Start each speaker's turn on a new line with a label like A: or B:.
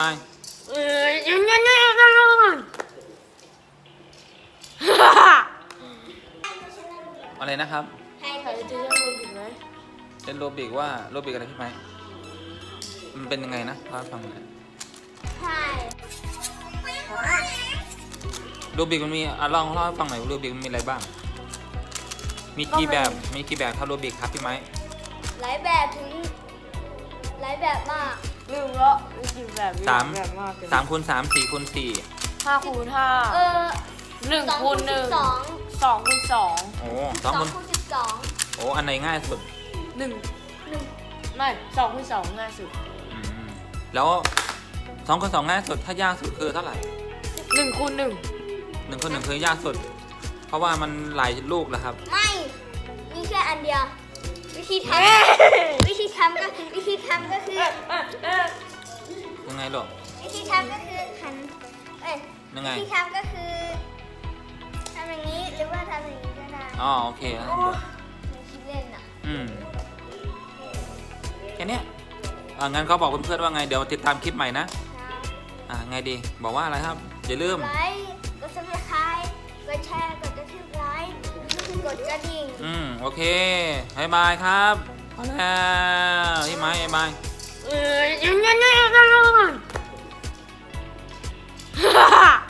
A: อะไรนะครับ
B: ใครจะเล่นโรบิกไหม
A: เล่นโรบิกว่าโรบิกอะไรพี่ไหมมันเป็นยังไงนะเล่าให้ฟังหน่อย
B: ใช่
A: โรบิกมันมีลองเล่าให้ฟังหน่อยโรบิกมันมีอะไรบ้างมีกี่แบบครับโรบิกครับพี่ไหม
B: หลายแบบถึงหลายแบบมาก
C: ลืมแล้วมีกี่แบบ
A: สาม
C: แบบมาก
A: 3 x 3 4 x 4
C: 5 คูณ 5 1 คูณ 1 2 คูณ 2
A: โอ้
B: สอง
A: 2 คูณ
B: คูณ12
A: โอ้อันไหนง่ายสุด
C: 1ไม่2 คูณ 2 ง่ายสุด
A: อืมแล้ว2 คูณ 2ง่ายสุดถ้ายากสุดคือเท่าไหร่
C: 1 คูณ 1
A: 1 คูณ 1คือยากสุดเพราะว่ามันหลายลูกแล้วครับ
B: ไม่มีแค่อันเดียววิธีทำก็คือ
A: ยังไงลูก
B: วิธีทำก็คือหัน
A: ยังไง
B: วิธีทำก็คือทำอย่างนี้หรือว่าทำอย่างนี้ก็ได้
A: อ๋อโอเคครับ
B: ในคิดเล่นอ่ะ
A: แค่นี้งั้นเขาบอกเพื่อนๆว่าไงเดี๋ยวติดตามคลิปใหม่นะไงดีบอกว่าอะไรครับอย่าลืม
B: ไลค์กด subscribe กดแชร์กดกระทืบไลค์กดกระดิ่ง
A: โอเคบ๊ายบายครับพอแล้วพี่ไม้บ๊ายบาย